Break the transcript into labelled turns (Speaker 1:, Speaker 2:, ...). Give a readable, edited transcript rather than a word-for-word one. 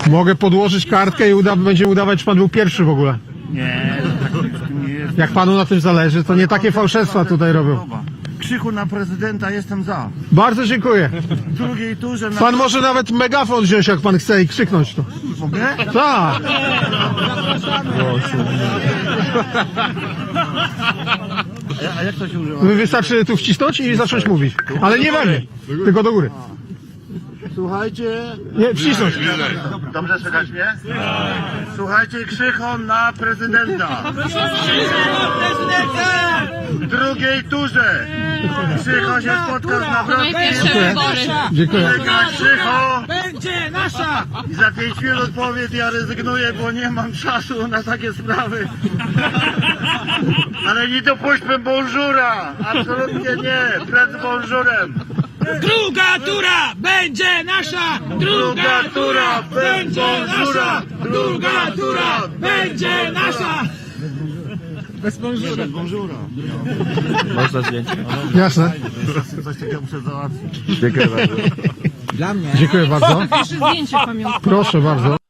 Speaker 1: Mogę podłożyć kartkę i będziemy udawać, że pan był pierwszy w ogóle.
Speaker 2: Nie, tak nie jest.
Speaker 1: Jak panu na tym zależy, to nie takie fałszerstwa tutaj robią.
Speaker 2: Krzychu na prezydenta jestem za.
Speaker 1: Bardzo dziękuję.
Speaker 2: W drugiej turze na...
Speaker 1: Pan może nawet megafon wziąć, jak pan chce, i krzyknąć to.
Speaker 2: Mogę?
Speaker 1: Tak.
Speaker 2: A jak to się używa?
Speaker 1: Wystarczy tu wcisnąć i zacząć mówić. Ale nie we mnie, tylko do góry.
Speaker 2: Słuchajcie...
Speaker 1: Nie, wcisnąć.
Speaker 2: Dobrze słychać mnie? Słuchajcie, Krzychon na prezydenta. W drugiej turze Krzycho się spotkał z Nawrockim.
Speaker 1: Dziękuję.
Speaker 2: Wygra Krzycho
Speaker 3: Będzie nasza!
Speaker 2: i za 5 minut powie: ja rezygnuję, bo nie mam czasu na takie sprawy. Ale nie dopuśćmy bonżura! Absolutnie nie! Przed bonżurem!
Speaker 3: Druga tura będzie nasza! Druga tura będzie nasza! Druga tura będzie nasza!
Speaker 2: Bez bonżura.
Speaker 4: Można zdjęcie?
Speaker 1: Jasne.
Speaker 2: Coś takiego muszę załatwić.
Speaker 4: Dziękuję bardzo.
Speaker 1: Dziękuję bardzo.
Speaker 5: Zdjęcie pamiątkowe.
Speaker 1: Proszę bardzo.